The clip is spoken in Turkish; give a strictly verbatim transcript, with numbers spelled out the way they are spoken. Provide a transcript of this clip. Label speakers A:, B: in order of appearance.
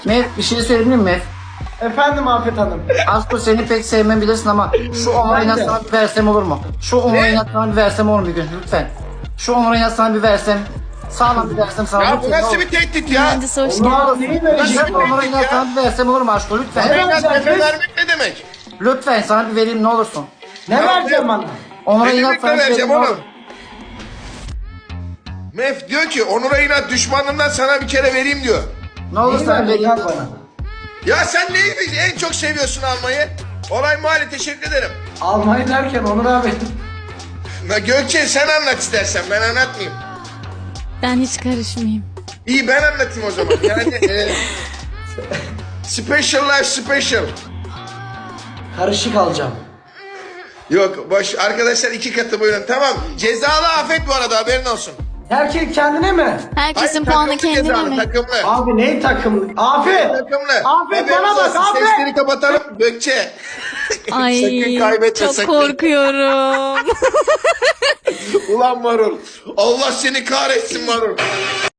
A: Mef bir şey söyleyebilir miyim Mef?
B: Efendim Afet Hanım.
A: Aslında seni pek sevmem bilirsin ama şu on lirayı
B: Ben de.
A: sana bir versem olur mu? Şu on lirayı sana bir versem olur mu bir gün lütfen? Şu on lirayı sana bir versem. Sağlam bir versem sana.
C: Ya bu
A: lütfen,
C: nasıl
A: olur.
C: bir tehdit ya?
D: Mühendis hoş
B: Ulan
D: geldin.
B: neyi
A: Şu
B: vereceğim?
A: on lirayı sana bir versem olur mu aşkım lütfen?
B: Ne
C: Bana
B: vereceğim
C: tepe
B: kız?
C: vermek ne demek?
A: Lütfen sana bir vereyim ne olursun.
B: Ne vereceğim bana?
A: on
C: Ne
A: lirayı
C: demek
A: sana
C: ne
A: bir vereyim
C: vereceğim
A: ne olur.
C: oğlum? Mef diyor ki Onur'a inat düşmanından sana bir kere vereyim diyor.
A: Ne olur
B: Neyi
A: sana
B: vereceksin
A: vereyim.
B: bana?
C: Ya sen neyi en çok seviyorsun almayı? Olay mahalle teşekkür ederim.
B: Almayı derken Onur abi.
C: Na Gökçe sen anlat istersen ben anlatmayayım.
D: Ben hiç karışmayayım.
C: İyi ben anlatayım o zaman. Yani e, special life special.
B: Karışık alacağım.
C: Yok boş arkadaşlar iki katı buyurun tamam. Cezalı afet bu arada haberin olsun.
B: Herkes kendine mi?
D: Herkesin
C: Hayır,
D: puanı
C: takımlı
D: kendine
C: cezalı,
D: mi?
C: Takımlı.
B: Abi neyi takımlı? Afet!
C: Takımlı.
B: Afet
C: Haberiniz
B: bana bak
C: olsun,
B: Afet!
C: Sesleri kapatalım Gökçe.
D: Ay
C: Sakın kaybetme
D: çok
C: sakın.
D: korkuyorum.
C: Ulan marul. Allah seni kahretsin marul.